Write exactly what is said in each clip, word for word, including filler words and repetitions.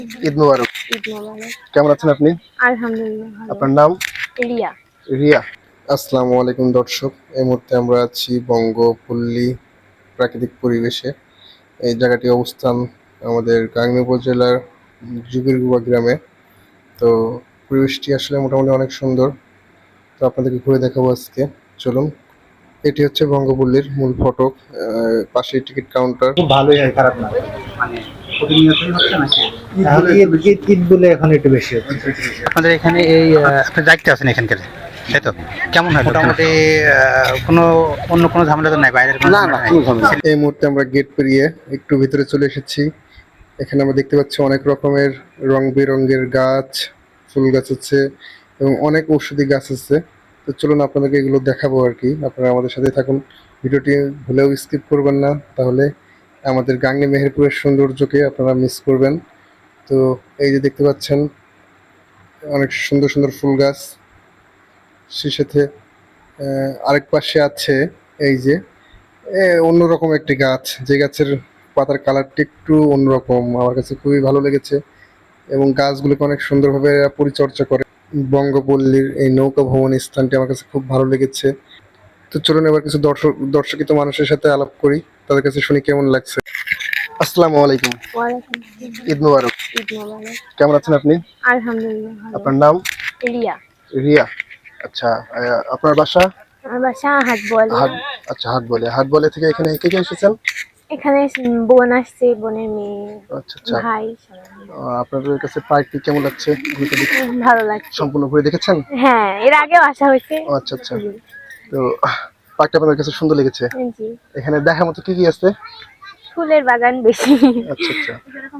ঈদ মুবারক। ঈদ মোবারক। কেমন আছেন আপনি? আলহামদুলিল্লাহ ভালো। আপনার নাম? রিয়া। রিয়া। আসসালামু আলাইকুম দর্শক। এই মুহূর্তে আমরা আছি বঙ্গপল্লী প্রাকৃতিক পরিবেশে। এই জায়গাটি অবস্থান আমাদের গাংনী উপজেলার জুগিরগুবা গ্রামে। তো পরিবেশটি আসলে মোটামুটি অনেক সুন্দর। তো আপনাদেরকে ঘুরে দেখাবো আজকে। চলুন। এটি হচ্ছে বঙ্গপল্লীর মূল ফটক, পাশে টিকিট কাউন্টার। খুব ভালোই হয়, খারাপ না। মানে প্রতিনিয়তই হচ্ছে নাকি? তাহলে ঈদ ঈদ ঈদ বলে এখন একটু বেশি হচ্ছে। আপনাদের এখানে এই আহ, আপনি দায়িত্বে আছেন এখানকার, তাই তো? কেমন হয় মোটামুটি? আহ, কোনো অন্য কোনো ঝামেলা তো নাই, বাইরের কোনো না না ঝামেলা নাই? কোনো ঝামেলা নেই। এই মুহূর্তে আমরা গেট পেরিয়ে একটু ভিতরে চলে এসেছি। এখানে আমরা দেখতে পাচ্ছি অনেক রকমের রং বেরঙের গাছ, ফুল গাছ আছে এবং অনেক ঔষধি গাছ আছে। তো চলুন আপনাদেরকে এগুলো দেখাবো আর কি। আপনারা আমাদের সাথে থাকুন, ভিডিওটি ভুলেও স্কিপ করবেন না, তাহলে আমাদের গাংনী মেহেরপুরের সৌন্দর্যকে আপনারা মিস করবেন। তো এই যে দেখতে পাচ্ছেন অনেক সুন্দর সুন্দর ফুল গাছ, সেই সাথে আহ, আরেক পাশে আছে এই যে এ, অন্যরকম একটি গাছ, যে গাছের পাতার কালারটি একটু অন্যরকম, আমার কাছে খুবই ভালো লেগেছে এবং গাছগুলোকে অনেক সুন্দরভাবে এরা পরিচর্যা করে। বঙ্গপল্লীর এই নৌকা ভ্রমণ স্থানটি আমার কাছে খুব ভালো লেগেছে। তো চলুন এবার কিছু দর্শক দর্শকিত মানুষের সাথে আলাপ করি, তাদের কাছে শুনি কেমন লাগছে। আসসালামু আলাইকুম। ওয়ালাইকুম আসসালাম। ঈদ মুবারক। ঈদ মোবারক। কেমন আছেন আপনি? আলহামদুলিল্লাহ ভালো। আপনার নাম? রিয়া। রিয়া। আচ্ছা, আহ, আপনার বাসা? আমার বাসা হাট বলে। হাট। আচ্ছা, হাট বলে। হাট বলে থেকে এখানে কে কে এসেছেন? এখানে বোন আসছে, বোনের মেয়ে, আচ্ছা আচ্ছা। ভাই সবাই মিলে। আহ, আপনাদের কাছে পার্কটি কেমন লাগছে? ঘুরতে দেখে উম, ভালো লাগছে। সম্পূর্ণ ঘুরে দেখেছেন? হ্যাঁ, এর আগেও আসা হয়েছে। ও আচ্ছা আচ্ছা। তো পার্কটা আপনার কাছে সুন্দর লেগেছে? জি। এখানে দেখার মতো কি কি আছে? ফুলের বাগান বেশি। আচ্ছা আচ্ছা।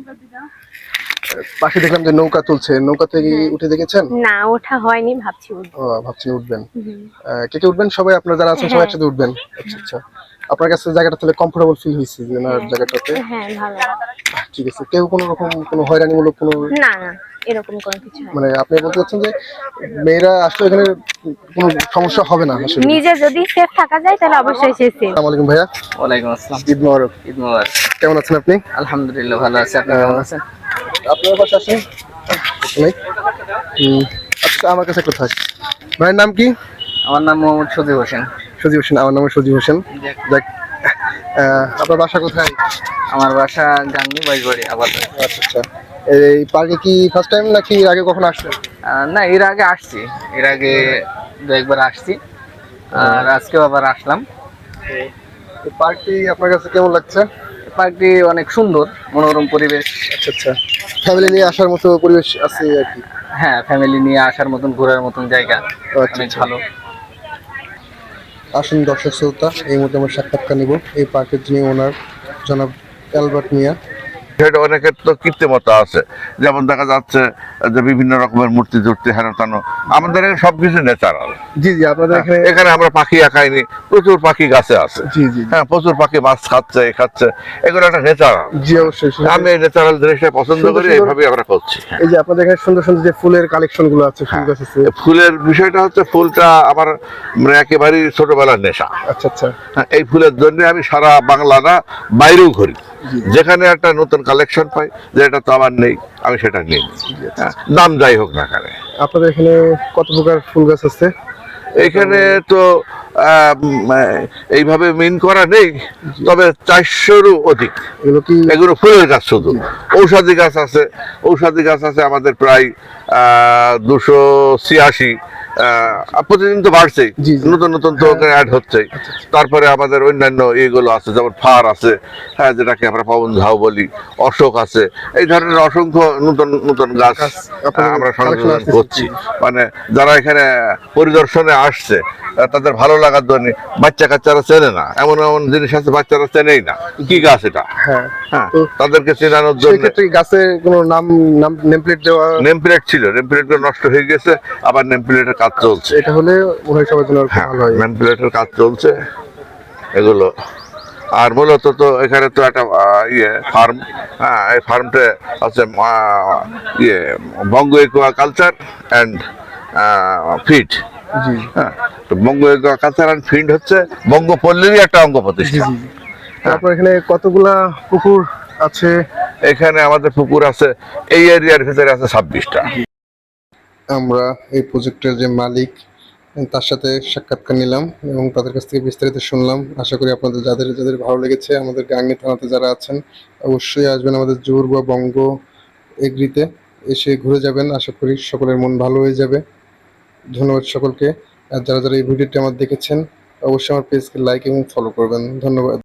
পাশে দেখলাম যে নৌকা চলছে, নৌকা থেকে হ্যাঁ। উঠে দেখেছেন? না, ওঠা হয়নি, ভাবছি উঠবো। ও, ভাবছেন উঠবেন। হুম। আহ, কে কে উঠবেন? সবাই আপনারা যারা আছেন সবাই হ্যাঁ। একসাথে উঠবেন? আচ্ছা আচ্ছা। আপনার কাছে জায়গাটা তাহলে কমফোর্টেবল ফিল হয়েছে যে না হ্যাঁ। জায়গাটাতে? হ্যাঁ, ভালো। আহ, ঠিক আছে। কেউ কোনো রকম কোনো হয়রানিমূলক কোনো, না না, এরকম কোনো কিছু হয় না। মানে আপনি বলতে চাচ্ছেন যে মেয়েরা আসলে এখানে কোনো সমস্যা হবে না আসলে? নিজে যদি সেফ থাকা যায় তাহলে অবশ্যই সে সেফ। আসসালামু আলাইকুম ভাইয়া। ওয়ালাইকুম আসসালাম। ঈদ মোবারক। ঈদ মোবারক। কেমন আছেন আপনি? আলহামদুলিল্লাহ ভালো আছি, আপনি কেমন আছেন? আপনার পাশে আসেন। নাই? হুম, আচ্ছা, আমার কাছে একটু থাক। ভাইয়ের নাম কি? আমার নাম মোহাম্মদ সজীব হোসেন। সজীব হোসেন। আমার নাম সজীব হোসেন। যাক, আহ, আপনার বাসা কোথায়? আমার বাসা গাংনী বাইশবাড়ি আবার। আচ্ছা আচ্ছা। এই পার্কে কি ফার্স্ট টাইম নাকি আগে কখনো আসলেন? না, এর আগে আসছি, এর আগে দু একবার আসছি, আর আজকেও আবার আসলাম। এই পার্কটি আপনার কাছে কেমন লাগছে? পার্কটি অনেক সুন্দর, মনোরম পরিবেশ। আচ্ছা আচ্ছা। ফ্যামিলি নিয়ে আসার মতো পরিবেশ আছে আর কি? হ্যাঁ, ফ্যামিলি নিয়ে আসার মতন, ঘোরার মতন জায়গা, আচ্ছা, অনেক আচ্ছা। ভালো। আসুন দর্শক শ্রোতা, এই মুহূর্তে আমরা সাক্ষাৎকার নিব এই পার্কের যিনি ওনার, জনাব অ্যালবার্ট মিয়া। সেটা অনেকের তো কৃত্রিমতা আছে, যেমন দেখা যাচ্ছে যে বিভিন্ন রকমের মূর্তি টুর্তি হেন তেন। আমাদের এখানে সবকিছু ন্যাচারাল। জি জি, আপনাদের এখানে এখানে আমরা পাখি একাইনি, প্রচুর পাখি গাছে আছে। জি জি হ্যাঁ, প্রচুর পাখি মাছ খাচ্ছে, এ খাচ্ছে, এগুলো একটা ন্যাচারাল। জি অবশ্যই। আমি এই ন্যাচারাল জিনিসটা পছন্দ সুন্দর করি, সুন্দর- এইভাবে আমরা করছি। এই যে আপনাদের এখানে সুন্দর সুন্দর যে ফুলের কালেকশন গুলো আছে, ফুল গাছ আছে। ফুলের বিষয়টা হচ্ছে, ফুলটা আমার মানে একেবারেই ছোটবেলার নেশা। আচ্ছা আচ্ছা। হ্যাঁ, এই ফুলের জন্য আমি সারা বাংলা না, বাইরেও ঘুরি। যেখানে একটা নতুন কালেকশন পাই, যেটা তো আমার নেই, আমি সেটা নিই। হ্যাঁ, দাম যাই হোক না কেন। আপনাদের এখানে কত প্রকার ফুল গাছ আছে? এখানে তো আহ, উম, এইভাবে মিন করা নেই, তবে চারশোরও অধিক। এগুলো কি এগুলো ফুলের গাছ, শুধু ঔষধি গাছ আছে। ঔষধি গাছ আছে আমাদের প্রায় আহ দুশো ছিয়াশি। প্রতিদিন তো বাড়ছেই, জি, জি। নতুন নতুন তো অ্যাড হচ্ছে। তারপরে আমাদের অন্যান্য এগুলো আছে, যেমন ফার আছে, হ্যাঁ, যেটাকে আমরা পবন ঝাউ বলি, অশোক আছে। এই ধরনের অসংখ্য নতুন নতুন গাছ গাছ আপনাদের আমরা collection সংযোজন আসতেছে। করছি। মানে যারা এখানে পরিদর্শনে আসছে, আহ, তাদের ভালো লাগার জন্য। বাচ্চা কাচ্চারা চেনে না, এমন এমন জিনিস আছে বাচ্চারা চেনেই না কি গাছ এটা। হ্যাঁ হ্যাঁ, তো তাদেরকে চেনানোর জন্য সেক্ষেত্রে গাছের কোনো নাম নাম নেম প্লেট দেওয়া? নেম প্লেট ছিল, নেম প্লেট নষ্ট হয়ে গেছে, আবার নেম প্লেটের কাজ চলছে। এটা হলে মনে হয় সবার জন্য আর খুব হ্যাঁ, ভালো হয়। নেম প্লেটের কাজ চলছে এগুলো। আর মূলত তো এখানে তো একটা আহ, ইয়ে ফার্ম। হ্যাঁ, এই ফার্মটা হচ্ছে আহ, ইয়ে Banga aquaculture and feed. জি হ্যাঁ, তো Banga aquaculture and feed হচ্ছে বঙ্গপল্লীরই একটা অঙ্গ জি প্রতিষ্ঠান। জি জি। আপনার এখানে কতগুলা পুকুর আছে এখানে আমাদের পুকুর আছে এই এরিয়ার ভিতরে আছে ছাব্বিশটা। আমরা এই প্রজেক্টের যে মালিক তার সাথে সাক্ষাৎকার নিলাম এবং তাদের কাছ থেকে বিস্তারিত শুনলাম। আশা করি আপনাদের যাদের যাদের ভালো লেগেছে, আমাদের গাংনী থানাতে যারা আছেন অবশ্যই আসবেন আমাদের জোর বা বঙ্গ এগ্রিতে, এসে ঘুরে যাবেন। আশা করি সকলের মন ভালো হয়ে যাবে। ধন্যবাদ সকলকে। আর যারা যারা এই ভিডিওটি আমার দেখেছেন অবশ্যই আমার পেজকে লাইক এবং ফলো করবেন। ধন্যবাদ।